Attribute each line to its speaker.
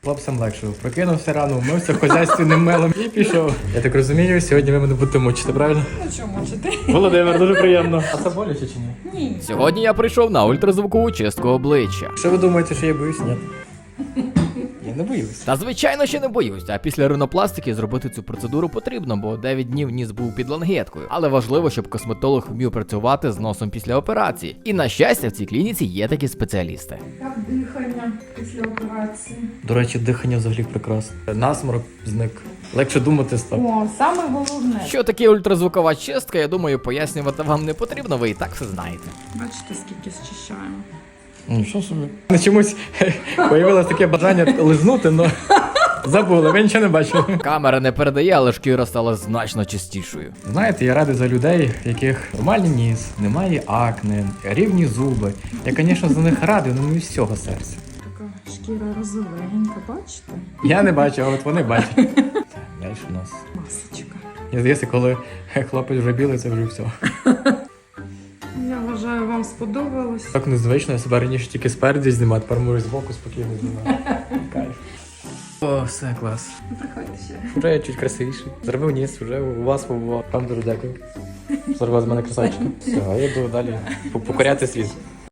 Speaker 1: Хлопцям легше. Прокинувся рано, вмився в хазяйственним мелом і пішов. Я так розумію, сьогодні ви мене будете мучити, правильно?
Speaker 2: Ну що мучити?
Speaker 1: Володимир, дуже приємно. А це боляче чи ні?
Speaker 2: Ні.
Speaker 3: Сьогодні я прийшов на ультразвукову чистку обличчя.
Speaker 1: Що ви думаєте, що я боюсь? Ні. Я не боюсь.
Speaker 3: Та звичайно, ще не боюсь, а після ринопластики зробити цю процедуру потрібно, бо 9 днів ніс був під лангеткою. Але важливо, щоб косметолог вмів працювати з носом після операції. І на щастя, в цій клініці є такі спеціалісти.
Speaker 2: Як дихання після операції?
Speaker 1: До речі, дихання взагалі прекрасне. Насморок зник. Легше думати став.
Speaker 2: О, саме головне.
Speaker 3: Що таке ультразвукова чистка, я думаю, пояснювати вам не потрібно, ви і так все знаєте.
Speaker 2: Бачите, скільки зчищаємо.
Speaker 1: Ну що собі. На чомусь появилось таке бажання лизнути, але забули, ви нічого не бачили.
Speaker 3: Камера не передає, але шкіра стала значно чистішою.
Speaker 1: Знаєте, я радий за людей, в яких нормальний ніс, немає акне, рівні зуби. Я, звісно, за них радий, але не з цього серця.
Speaker 2: Така шкіра розовенька, бачите?
Speaker 1: Я не бачу, а от вони бачать. Далі у нас.
Speaker 2: Масочка.
Speaker 1: Я здається, коли хлопець вже білий, це вже все.
Speaker 2: Я вважаю, вам сподобалось.
Speaker 1: Так незвично, я себе раніше тільки спереді знімав, тепер можу збоку спокійно знімати. Кайф. О, все, клас.
Speaker 2: Приходьте ще.
Speaker 1: Вже я чуть красивіший. Зробив ніс, вже у вас побував. Вам дуже дякую. Зробив з мене красавчика. Все, а я йду далі покоряти світ.